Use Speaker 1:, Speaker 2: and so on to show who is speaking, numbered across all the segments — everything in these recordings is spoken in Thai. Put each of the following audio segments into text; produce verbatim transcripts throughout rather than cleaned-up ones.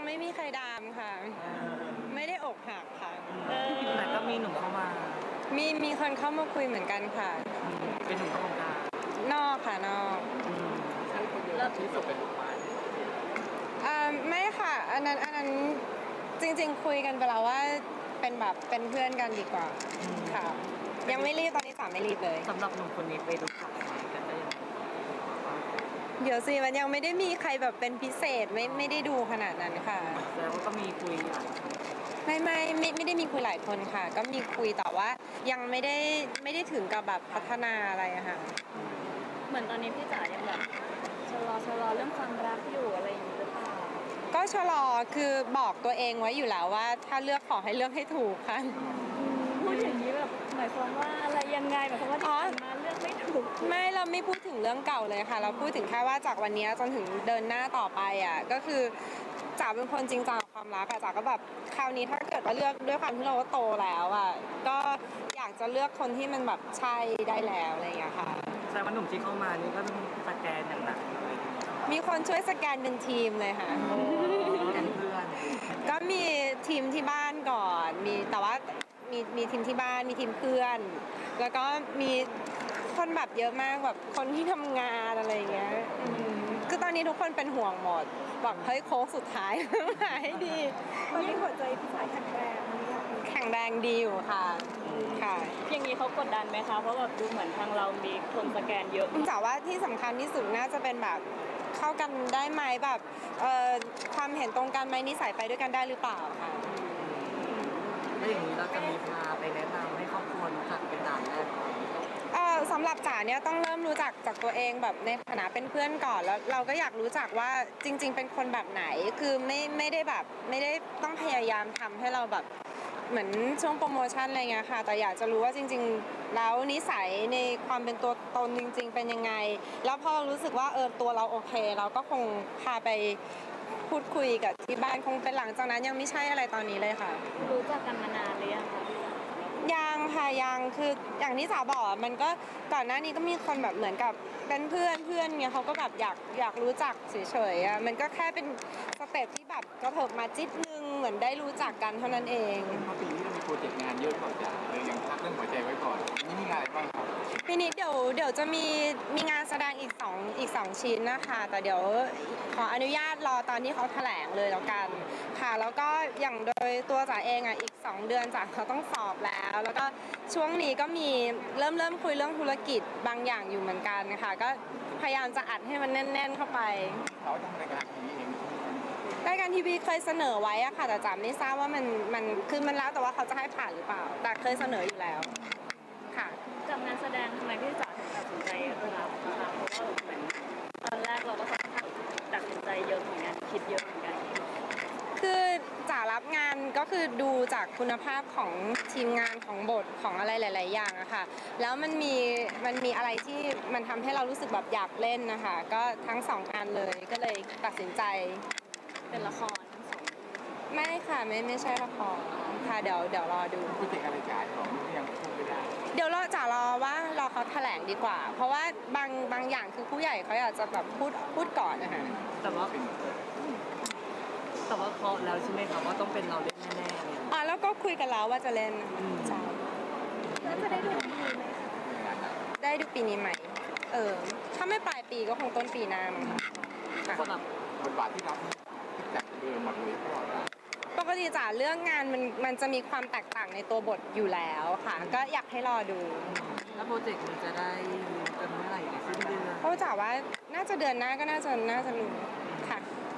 Speaker 1: ไม่มีใครดามค่ะไม่ได้อกหักค่ะ
Speaker 2: แต่ก็มีหนุ่มเข้ามา
Speaker 1: มีมีคนเข้ามาคุยเหมือนกันค่ะ
Speaker 2: เป็นหนุ่มเข้ามาก
Speaker 1: นอกค่ะนอก
Speaker 2: แล้วที่สุดเป็น
Speaker 1: อ่าไม่ค่ะอันนั้นอันนั้นจริงๆคุยกันไปแล้วว่าเป็นแบบเป็นเพื่อนกันดีกว่าค่ะยังไม่รีบตอนนี้สามไม่รีบเลย
Speaker 2: สำหรับหนุ่มคนนี้ไปดูข่าวอะไรกันได้ยัง
Speaker 1: เดี๋ยวสิมันยังไม่ได้มีใครแบบเป็นพิเศษไม่ไม่ได้ดูขนาดนั้นค่ะ
Speaker 2: แสดงว่าก็มีคุยหลาย
Speaker 1: ไม่ไม่ไม่ไม่ได้มีคุยหลายคนค่ะก็มีคุยแต่ว่ายังไม่ได้ไม่ได้ถึงกับแบบพัฒนาอะไรอะค่ะ
Speaker 3: เหมือนตอนนี้พี่จ๋ายังแบบชะลอชะลอเรื่องความรักอยู่อะไรอย่างนี้หรือเปล่า
Speaker 1: ก็ชะลอคือบอกตัวเองไว้อยู่แล้วว่าถ้าเลือกขอให้เลือกให้ถูกค่ะ
Speaker 3: พูดอย่างนี้แบบหมายความว่าอะไรยังไงหมายความว่าที่ผ่านมาเลือกไม่ถูก
Speaker 1: ไม่เราไม่พูดถึงเรื่องเก่าเลยค่ะเราพูดถึงแค่ว่าจากวันนี้จนถึงเดินหน้าต่อไปอ่ะก็คือจ๋าเป็นคนจริงจังกับความรักอะจ๋าก็แบบคราวนี้ถ้าเกิดว่าเลือกด้วยความที่เราก็โตแล้วอ่ะก็อยากจะเลือกคนที่มันแบบใช่ได้แล้วอะไรอย่างเงี้ยค่ะ
Speaker 2: แสดงว่าหนุ่มที่เข้ามานี่ก็ต้องสแกนอย่างหนักเลย
Speaker 1: มีคนช่วยสแกนเป็นทีมเลยค่ะ
Speaker 2: กันเพื่อน
Speaker 1: ก็มีทีมที่บ้านก่อนมีแต่ว่ามีมีทีมที่บ้านมีทีมเพื่อนแล้วก็มีคนแบบเยอะมากแบบคนที่ทำงานอะไรอย่างเงี้ยคือตอนนี้ทุกคนเป็นห่วงหมดบอกเฮ้ยโค้งสุดท้ายหายดี
Speaker 3: ตอนนี้หัวใจพี่สายแข็งแรง
Speaker 1: แข็งแรงดีอยู่ค่ะค่ะ
Speaker 3: อย่างนี้เขากดดันไหมคะเพราะแบบดูเหมือนทางเรามีคนสแกนเยอะ
Speaker 1: แต่ว่าที่สำคัญที่สุดน่าจะเป็นแบบเข้ากันได้ไหมแบบเอ่อความเห็นตรงกันไหมนิสัยไปด้วยกันได้หรือเปล่าค่ะ
Speaker 2: แล้วอย่างนี้เราจะมีพาไปแนะนำให้ครอบครัวรู้จักเป็นด่านแรกก่อน
Speaker 1: เออสำหรับจ๋าเนี่ยต้องเริ่มรู้จักจากตัวเองแบบในฐานะเป็นเพื่อนก่อนแล้วเราก็อยากรู้จักว่าจริงๆเป็นคนแบบไหนคือไม่ไม่ได้แบบไม่ได้ต้องพยายามทำให้เราแบบเหมือนช่วงโปรโมชั่นอะไรเงี้ยค่ะแต่อยากจะรู้ว่าจริงๆแล้วนิสัยในความเป็นตัวตนจริงๆเป็นยังไงแล้วพอรู้สึกว่าเออตัวเราโอเคเราก็คงพาไปพูดคุยกับที่บ้านคงเป็นหลังจากนั้นยังไม่ใช่อะไรตอนนี้เลยค่ะ
Speaker 3: รู้จักกันมานานหรือยังคะ
Speaker 1: ยังค่ะยังคืออย่างที่สาวบอกมันก็ก่อนหน้านี้ก็มีคนแบบเหมือนกับเป็นเพื่อนเพื่อนเนี่ยเขาก็แบบอยากอยากรู้จักเฉยๆอ่ะมันก็แค่เป็นสเต็ปที่แบบกระเถิบมาจิตนึงเหมือนได้รู้จักกันเท่านั้นเอง
Speaker 4: เพราะปีนี้เรามีโปรเจกต์งานเยอะกว่าจะเลยยังพักเรื่องหัวใจไว้ก่อนนี่มีงานอะไรบ้างครับ
Speaker 1: ปีนี้เดี๋ยวเดี๋ยวจะมีมีงานแสดงอีกสองอีกสองชิ้นนะคะแต่เดี๋ยวขออนุญาตรอตอนที่เขาแถลงเลยแล้วกันค่ะแล้วก็อย่างโดยตัวจ๋าเองอ่ะอีกสองเดือนจ๋าเขาต้องสอบแล้วแล้วก็ช่วงนี้ก็มีเริ่มเริ่มคุยเรื่องธุรกิจบางอย่างอยู่เหมือนกันค่ะก็พยายามจะอัดให้มันแน่นๆเข้าไป
Speaker 4: เราทำรายการทีวีเอง
Speaker 1: รายการทีวีเคยเสนอไว้อะค่ะแต่จ๋าไม่ทราบว่ามันมันคือมันแล้วแต่ว่าเขาจะให้ผ่านหรือเปล่าแต่เคยเสนออยู่แล้วค่ะ
Speaker 3: กับงานแสดงทำไมพี่จ๋าถึงตัดสินใจรับนะคะเพราะว่าเหมือนตอนแรกเราก็ตัดสินใจเยอะเหมือนกันคิดเยอะเหมือนกัน
Speaker 1: คือจ๋ารับงานก็คือดูจากคุณภาพของทีมงานของบทของอะไรหลายๆอย่างอะค่ะแล้วมันมีมันมีอะไรที่มันทำให้เรารู้สึกแบบอยากเล่นนะคะก็ทั้งสองงานเลยก็เลยตัดสินใจ
Speaker 3: เป็นละครทั้งสอง
Speaker 1: ไม่ค่ะไม่ไม่ใช่ละครค่ะเดี๋ยวเดี๋ยวรอดู
Speaker 4: โปรเจกต์อะไรจ่ายของที่ยังพูดไม่ได้
Speaker 1: เดี๋ยวรอจ๋ารอว่ารอเขาแถลงดีกว่าเพราะว่าบางบางอย่างคือผู้ใหญ่เขาอยากจะแบบพูดพูดก่อนนะคะ
Speaker 2: แต่ว่าแต่ว่าเคาะแล้วใช่ไหมคะว่าต้องเป็นเราเล่นแน่ๆเลย
Speaker 1: อ๋อแล้วก็คุยกันแล้วว่าจะเล่นใช่
Speaker 3: แล้วจะได้ดูปีนี้ไหม
Speaker 1: คะได้ดูปีนี้ไหมเออถ้าไม่ปลายปีก็คงต้นปีหน้ามั้งค่ะ
Speaker 4: สำหรับบทบาทที่รับที่จากเดิมมาเลยตลอด
Speaker 1: ปกติจ๋าเรื่องงานมันมันจะมีความแตกต่างในตัวบทอยู่แล้วค่ะก็อยากให้รอดู
Speaker 2: แล้วโปรเจกต์มันจะได้รู้กันเมื่อไหร่ในสิ้นเดือน
Speaker 1: เพราะจ๋าว่าน่าจะเดือนหน้าก็น่าจะน่าจะรู้ค่ะ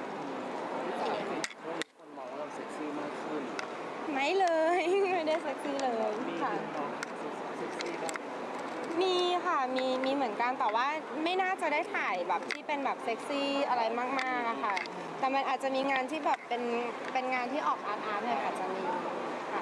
Speaker 4: คนมองว่าเราเซ็กซี่มากขึ้น
Speaker 1: ไม่เลยไม่ได้เซ็กซี่เลยค่ะ
Speaker 4: เซ็กซี่บ้าง
Speaker 1: มีค่ะมีมีเหมือนกันแต่ว่าไม่น่าจะได้ถ่ายแบบที่เป็นแบบเซ็กซี่อะไรมากๆอะค่ะแต่มันอาจจะมีงานที่แบบเป็นเป็นงานที่ออกอาร์ตอาร์ตเนี่ยอาจจะมีค่ะ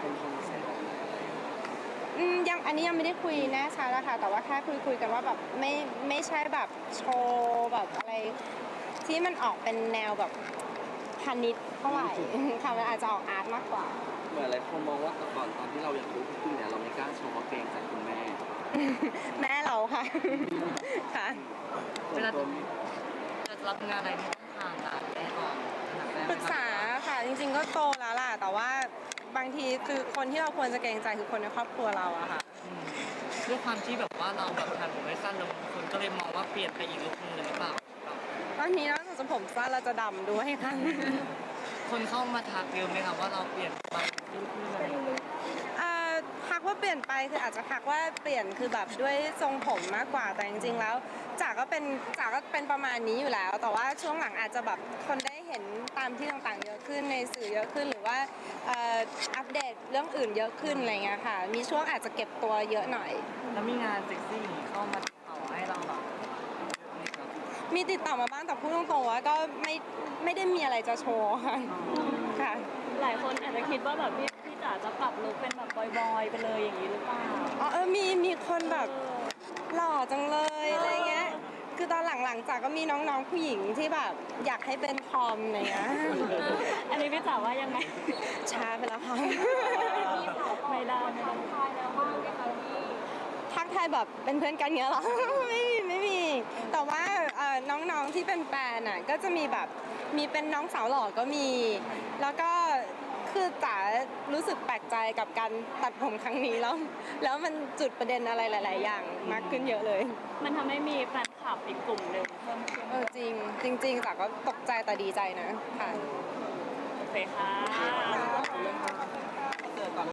Speaker 1: อืมยังอันนี้ยังไม่ได้คุยแน่ชัดแล้วค่ะแต่ว่าแค่คุยคุยกันว่าแบบไม่ไม่ใช่แบบโชว์แบบอะไรที่มันออกเป็นแนวแบบพาณิชย์เท่าไหร่ค่ะมันอาจจะออกอาร์ตมากกว่า
Speaker 4: เหมือนอะไรคนมองว่าแต่ก่อนตอนที่เรายังรู้ขึ้นเนี่ยเราไม่กล้าโชว์เพราะเกรงใจคุณแม่
Speaker 1: แม่เราค่ะค่ะ
Speaker 2: เวลาจะรับงานอะไรต้องผ่านด่านแน่นอน
Speaker 1: ปรึกษาค่ะจริงๆก็โตแล้วล่ะแต่ว่าบางทีคือคนที่เราควรจะเกรงใจคือคนในครอบครัวเราอะค่ะ
Speaker 2: อืมด้วยความที่แบบว่าเราแบบทันผมไม่สั้นแล้วคนก็เลยมองว่าเปลี่ยนไปอีกลุคนึงเลยหรือเปล่า
Speaker 1: ตอนนี้นอกจากจะผมสั้นเราจะดำด้วยค่ะ
Speaker 2: คนเข้ามาทักเยอะไหมครับว่าเราเปลี่ยนไปลุคนึงอะไรอย่างเงี้ย
Speaker 1: อ่าทักว่าเปลี่ยนไปคืออาจจะทักว่าเปลี่ยนคือแบบด้วยทรงผมมากกว่าแต่จริงๆแล้วจ๋าก็เป็นจ๋าก็เป็นประมาณนี้อยู่แล้ว แต่ว่าช่วงหลังอาจจะแบบคนได้เห็นตามที่ต่างๆเยอะขึ้นในสื่อเยอะขึ้นหรือว่าเอ่ออัปเดตเรื่องอื่นเยอะขึ้นอะไรเงี้ยค่ะมีช่วงอาจจะเก็บตัวเยอะหน่อย
Speaker 2: แล้วมีงานเซ็กซี่อย่างนี้เข้ามาติดต่อให้เราแบบนี่ครับ
Speaker 1: มีติดต่อมาบ้างแต่พูดตรงๆว่าก็ไม่ไม่ได้มีอะไรจะโชว์ค่ะค่ะ
Speaker 3: หลายคนอาจจะคิดว่าแบบพี่พี่จ๋าจะปรับลุคเป็นแบบบอยๆไปเลยอย่างนี้หรือเปล่า
Speaker 1: อ๋อเออมีมีคนแบบหล่อจังเลยอะไรเงี้ย คือตอนหลังๆจากก็มีน้องๆผู้หญิงที่แบบอยากให้เป็นทอมอะไรเงี้ย
Speaker 3: อันนี้พี่จ๋าว่ายังไง
Speaker 1: ช้าไปแล้วค่ะ
Speaker 3: ไม่ได้ไม่ได้
Speaker 1: ทักทายแบบเป็นเพื่อนกันเงี้ยเหรอ ไม่มีไม่มี แต่ว่าเอ่อน้องๆที่เป็นแฟนอ่ะก็จะมีแบบมีเป็นน้องสาวหล่อก็มี แล้วก็คือจ๋ารู้สึกแปลกใจกับการตัดผมครั้งนี้แล้ว แล้วมันจุดประเด็นอะไรหลาย ๆ อย่างมากขึ้นเยอะเลย
Speaker 3: มันทำให้มีแฟนคลับอีกกลุ่มหนึ่งเพิ่มขึ้น
Speaker 1: เออจริงจริงๆจ๋าก็ตกใจแต่ดีใจนะค่ะ
Speaker 3: โอเคค่ะ